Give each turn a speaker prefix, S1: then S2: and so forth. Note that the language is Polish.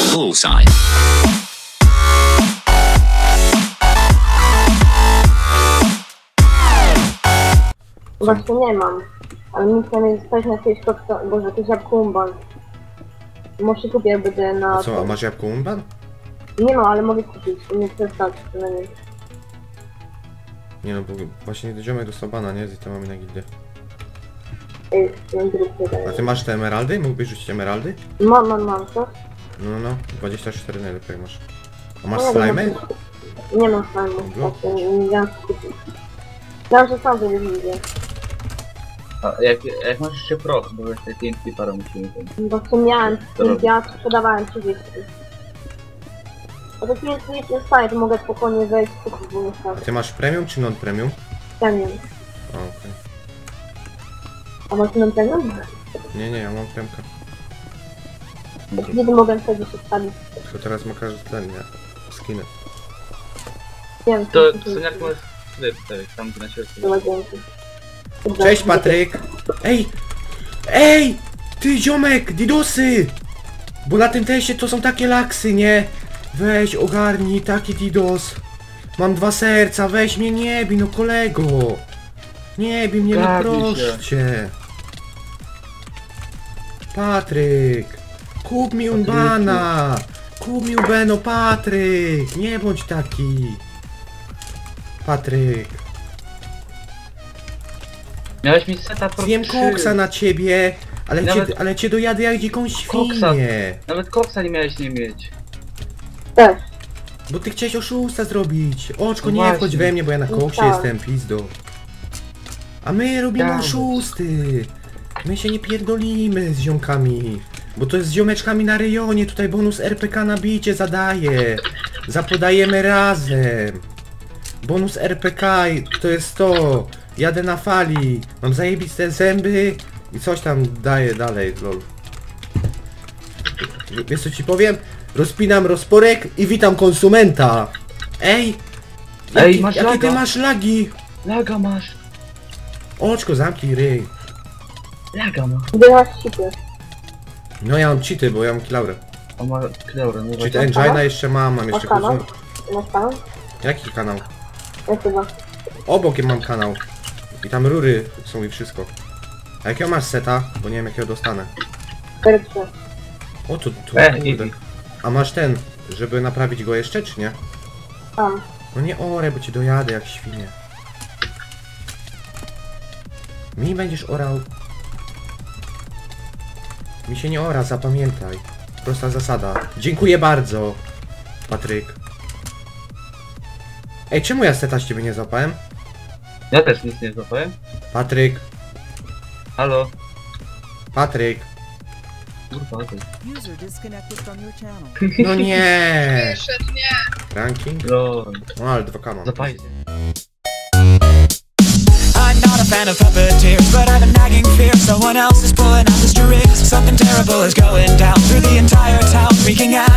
S1: Bullseye.
S2: Właśnie nie mam. Ale nic nie jest coś na jakieś koksa, boże, jakieś jabłko umban. Może kupię, jak będę na...
S3: A co, a masz jabłko umban?
S2: Nie mam, ale mogę kupić. Nie chcę stać przynajmniej.
S3: Nie no, bo właśnie ziomek dostał bana, nie? I to mamy na gildię.
S2: Ej, ten drugi
S3: A ty masz te emeraldy? Mógłbyś rzucić emeraldy?
S2: Mam, co?
S3: No, 24 najlepiej masz. A masz
S2: No,
S3: slimy?
S2: Nie mam slimy,
S3: No,
S2: tak, nie wiem co kupić. Wiem, że sam sobie widzę.
S4: A jak masz jeszcze proch, bo jeszcze TNT parę musimy ten.
S2: Bo w sumie miałem,
S4: robić?
S2: ja sprzedawałem 30. A to nic nie staje, to mogę spokojnie wejść w kupić, bo nie
S3: A
S2: stać.
S3: ty masz premium czy non-premium?
S2: Premium.
S3: A, okej.
S2: A masz ten premium?
S3: Nie, ja mam premkę.
S2: Kiedy mogę sobie się wstawić?
S3: Tylko teraz ma każdy ten, nie? Skiny.
S2: Nie wiem,
S4: To
S2: co
S4: są jak możesz tutaj wstawić, tam na środku.
S2: chyba dzięki.
S3: Cześć Patryk! Ej! Ty ziomek! Didosy! Bo na tym teście to są takie laksy, nie? Weź ogarnij taki didos. Mam 2 serca, weź mnie nie bij, no kolego! Nie bij mnie, no
S4: Gabi
S3: proszę cię! Patryk! Kup mi unbana! Kup mi ubeno, Patryk! Nie bądź taki! Patryk!
S4: Miałeś mi seta pro
S3: Zjem
S4: 3.
S3: koksa na ciebie,
S4: Nawet-
S3: ale cię dojadę jak dziką
S4: Koksa.
S3: świnię.
S4: Nawet koksa nie miałeś nie mieć.
S2: Też.
S3: Bo ty chciałeś oszusta zrobić. Oczko,
S4: No
S3: nie
S4: właśnie.
S3: wchodź we mnie, bo ja na koksie
S2: tak.
S3: jestem, pizdo. A my robimy
S4: Dawaj.
S3: oszusty. My się nie pierdolimy z ziomkami. Bo to jest z ziomeczkami na rejonie, tutaj bonus RPK na bicie zadaje. Zapodajemy razem. Bonus RPK to jest to. Jadę na fali. Mam zajebiste zęby i coś tam daję dalej, lol. Wiesz co ci powiem? Rozpinam rozporek i witam konsumenta. Ej!
S4: Masz
S3: Jakie ty
S4: laga.
S3: masz lagi?
S4: Laga masz.
S3: Oczko, zamknij ryj.
S4: Laga ma.
S2: Wyjechać sipy.
S3: No ja mam cheaty, bo ja mam kilaurę.
S4: On ma kleurę, no
S3: Cheat
S4: właśnie.
S3: Engine'a jeszcze mam jeszcze
S2: kanał?
S3: konsum...
S2: Masz tam?
S3: Jaki kanał?
S2: Ja chyba.
S3: Obok mam kanał. I tam rury są i wszystko. A jakiego masz seta? Bo nie wiem jakiego dostanę.
S2: 4-3.
S3: O to
S4: Easy.
S3: kurde. A masz ten, żeby naprawić go jeszcze, czy nie?
S2: Tam.
S3: No nie orę, bo ci dojadę jak świnie. Mi będziesz orał. Mi się nie ora, zapamiętaj. Prosta zasada. Dziękuję bardzo, Patryk. Ej, czemu ja seta z ciebie nie złapałem?
S4: Ja też nic nie złapałem.
S3: Patryk,
S4: Halo.
S3: Patryk.
S4: Kurwa, ty.
S5: User disconnected from your channel.
S3: No nie.
S6: Wyszedł, nie.
S3: Ranking?
S4: Lol.
S3: No ale 2K mam.
S4: Zapajcie.
S5: I'm not a fan of puppeteers, but I've a nagging fear someone else is pulling out the strings. Something terrible is going down through the entire town, wreaking havoc.